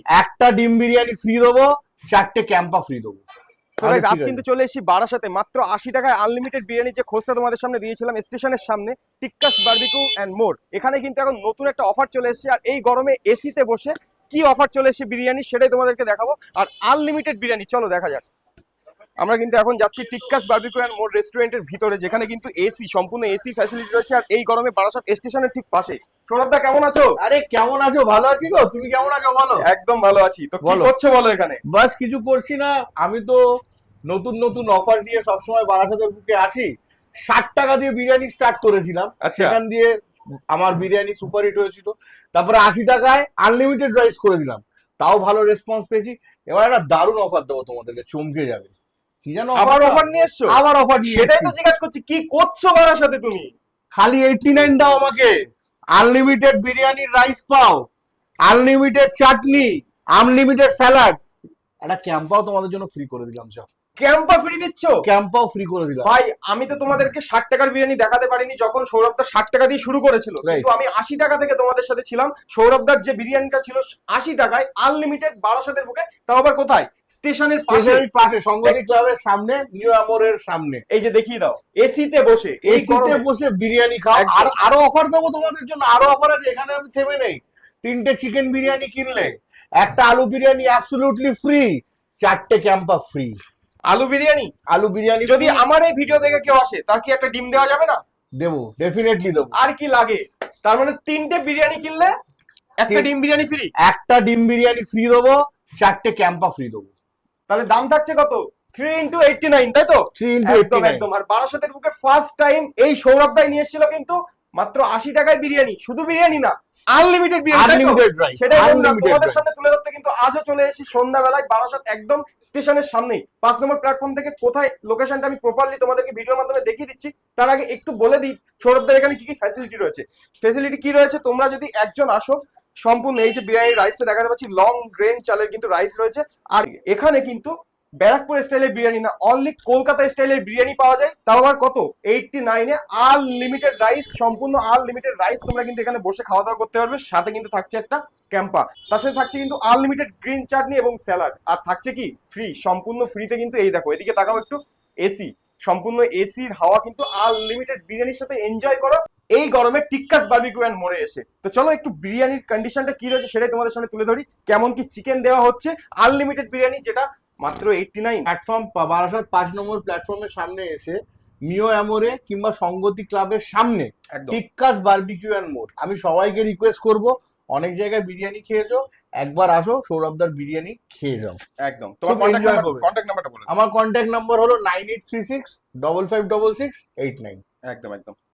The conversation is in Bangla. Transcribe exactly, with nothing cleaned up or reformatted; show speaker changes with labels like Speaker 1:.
Speaker 1: একটা ডিম বিরিয়ানি ফ্রি দেবো, চারটে ক্যাম্পা ফ্রি দেবো।
Speaker 2: আজ কিন্তু চলে এসেছি বারাসাতে, মাত্র আশি টাকায় আনলিমিটেড বিরিয়ানি যে খোঁজটা তোমাদের সামনে দিয়েছিলাম স্টেশনের সামনে, টিক্কাস বারবিকিউ এন্ড মোর। এখানে কিন্তু এখন নতুন একটা অফার চলে এসেছে, আর এই গরমে এসিতে বসে কি অফার চলে এসেছে বিরিয়ানি সেটাই তোমাদেরকে দেখাবো। আর আনলিমিটেড বিরিয়ানি, চলো দেখা যাক। আমরা কিন্তু এখন যাচ্ছি টিক্কাস বারবিকিউ এন্ড মোর রেস্টুরেন্টের ভিতরে, যেখানে কিন্তু এসি, সম্পূর্ণ এসি ফ্যাসিলিটি রয়েছে, আর এই গরমে বারাসাত স্টেশনের ঠিক পাশে। সৌরভদা কেমন আছো?
Speaker 1: আরে কেমন আছো? ভালো আছি গো, তুমি কেমন আছো বলো?
Speaker 2: একদম ভালো আছি। তো কি
Speaker 1: বলো।
Speaker 2: করছো বলো এখানে?
Speaker 1: বাস কিছু করছি না, আমি তো নতুন নতুন অফার নিয়ে সবসময় বারাসাতের বুকে আসি। ষাট টাকা দিয়ে বিরিয়ানি স্টার্ট করেছিলাম,
Speaker 2: আচ্ছা।
Speaker 1: সেখান দিয়ে আমার বিরিয়ানি সুপার হিট হয়েছিল। তারপরে আশি টাকায় আনলিমিটেড রাইস করে দিলাম, তাও ভালো রেসপন্স পেয়েছি। এবার একটা দারুণ অফার দেবো তোমাদেরকে, চমকে যাবে। কি জানো
Speaker 2: আবার অফার নিয়ে এসছো?
Speaker 1: আবার অফার নিয়ে
Speaker 2: সেটাই তো
Speaker 1: এসেছি।
Speaker 2: জিজ্ঞাসা করছি, কি করছো বারাসাতে তুমি?
Speaker 1: খালি এইটটি নাইন দাও আমাকে, আনলিমিটেড বিরিয়ানির রাইস পাও, আনলিমিটেড চাটনি, আনলিমিটেড স্যালাড, একটা ক্যাম্পাও তোমাদের জন্য ফ্রি করে দিলাম। সব
Speaker 2: ক্যাম্পা ফ্রি দিচ্ছ?
Speaker 1: ক্যাম্পাও ফ্রি করে দিলাম।
Speaker 2: ভাই আমি তো তোমাদেরকে ষাট টাকার বিরিয়ানি দেখাতে পারিনি যখন সৌরভদা ষাট টাকা দিয়ে শুরু করেছিল,
Speaker 1: Right.
Speaker 2: কিন্তু আমি আশি টাকা থেকে তোমাদের সাথে ছিলাম। সৌরভদার যে বিরিয়ানিটা ছিল আশি টাকায় আনলিমিটেড বারাসাতের বুকে, তাও আবার কোথায়? স্টেশনের পাশে,
Speaker 1: স্টেশনের পাশে, সংগতি ক্লাবের সামনে, নিউ আমরের সামনে।
Speaker 2: এই যে দেখিয়ে দাও, এসিতে বসে, এই
Speaker 1: এসিতে
Speaker 2: গরমে।
Speaker 1: বসে বিরিয়ানি খাও।
Speaker 2: একদম।
Speaker 1: আর আরো অফার দেবো তোমাদের জন্য, আরো অফার আছে, এখানে আমি থেমে নেই। তিনটে চিকেন বিরিয়ানি কিনলে একটা আলু বিরিয়ানি অ্যাবসলিউটলি ফ্রি, চারটে ক্যাম্পা ফ্রি।
Speaker 2: আলু বিরিয়ানি,
Speaker 1: আলু বিরিয়ানি
Speaker 2: যদি আমার এই ভিডিও দেখে কেউ আসে, তার কি একটা ডিম দেওয়া যাবে না?
Speaker 1: দেবো, ডেফিনেটলি দেবো।
Speaker 2: আর কি লাগে? তার মানে তিনটে বিরিয়ানি কিনলে একটা
Speaker 1: তিন-
Speaker 2: ডিম বিরিয়ানি ফ্রি।
Speaker 1: একটা ডিম বিরিয়ানি ফ্রি দেবো, চারটে ক্যাম্পা ফ্রি দেবো।
Speaker 2: তাহলে দাম থাকছে কত? থ্রি ইন্টু এইটটি নাইন, তাই তো?
Speaker 1: থ্রি ইন্টু এইটটি
Speaker 2: একদম
Speaker 1: নাইন।
Speaker 2: একদম। আর বারাসাতের বুকে ফার্স্ট টাইম এই সৌরভ ভাই নিয়ে এসেছিল কিন্তু মাত্র আশি টাকায় বিরিয়ানি, শুধু বিরিয়ানি না, আনলিমিটেড বিরিয়ানি।
Speaker 1: আনলিমিটেড রাইস,
Speaker 2: সেটাই বন্ধুরা
Speaker 1: আনলিমিটেড
Speaker 2: তোমাদের
Speaker 1: রাইস।
Speaker 2: সামনে তুলে ধরতে কিন্তু আজও চলে এসেছি সন্ধ্যাবেলায় বারাসাত, একদম স্টেশনের সামনেই, পাঁচ নম্বর প্ল্যাটফর্ম থেকে। কোথায় লোকেশনটা আমি প্রপারলি তোমাদেরকে ভিডিওর মাধ্যমে দেখিয়ে দিচ্ছি, তার আগে একটু বলে দিই সৌরভদের এখানে কি কি ফ্যাসিলিটি রয়েছে। ফ্যাসিলিটি কি রয়েছে, তোমরা যদি একজন আসো, সম্পূর্ণ এই যে বিরিয়ানির রাইসটা দেখাতে পাচ্ছি, লং গ্রেন চালের কিন্তু রাইস রয়েছে। আর এখানে কিন্তু ব্যারাকপুর স্টাইলের বিরিয়ানি না, অনলি কলকাতা স্টাইলের বিরিয়ানি পাওয়া যায়, তাও আবার কত? এইটটি নাইনে আনলিমিটেড রাইস, সম্পূর্ণ আনলিমিটেড রাইস তোমরা কিন্তু এখানে বসে খাওয়া দাওয়া করতে পারবে। সাথে কিন্তু থাকছে একটা ক্যাম্পা, তার সাথে থাকছে কিন্তু আনলিমিটেড গ্রিন চাটনি এবং স্যালাড, আর থাকছে কি ফ্রি, সম্পূর্ণ ফ্রিতে কিন্তু এই দেখো, এদিকে তাকাও একটু, এসি, সম্পূর্ণ এসির হাওয়া কিন্তু আনলিমিটেড বিরিয়ানির সাথে এনজয় করো এই গরমে টিক্কাস বারবিকিউ এন্ড মোড়ে এসে। তো চলো একটু বিরিয়ানির কন্ডিশনটা কি রয়েছে সেটাই তোমাদের সামনে তুলে ধরি। কেমন কি চিকেন দেওয়া হচ্ছে, আনলিমিটেড বিরিয়ানি যেটা মাত্র এইটটি নাইন।
Speaker 1: প্ল্যাটফর্ম বারাসাত পাঁচ নম্বর প্ল্যাটফর্মের সামনে এসে মিও অ্যামোরে কিংবা সংগতি ক্লাবের সামনে
Speaker 2: একদম
Speaker 1: টিক্কাস বারবিকিউ এন্ড মোর। আমি সবাইকে রিকোয়েস্ট করব, অনেক জায়গায় বিরিয়ানি খেয়েছো, একবার আসো সৌরভদার বিরিয়ানি খেয়ে যাও।
Speaker 2: একদম। তোমার
Speaker 1: খুব
Speaker 2: কন্ট্যাক্ট
Speaker 1: enjoy
Speaker 2: নাম্বার,
Speaker 1: করবে।
Speaker 2: কন্ট্যাক্ট নাম্বারটা বলে দাও।
Speaker 1: আমার কন্ট্যাক্ট নাম্বার হলো nine eight three six double five double six eight nine.
Speaker 2: একদম একদম।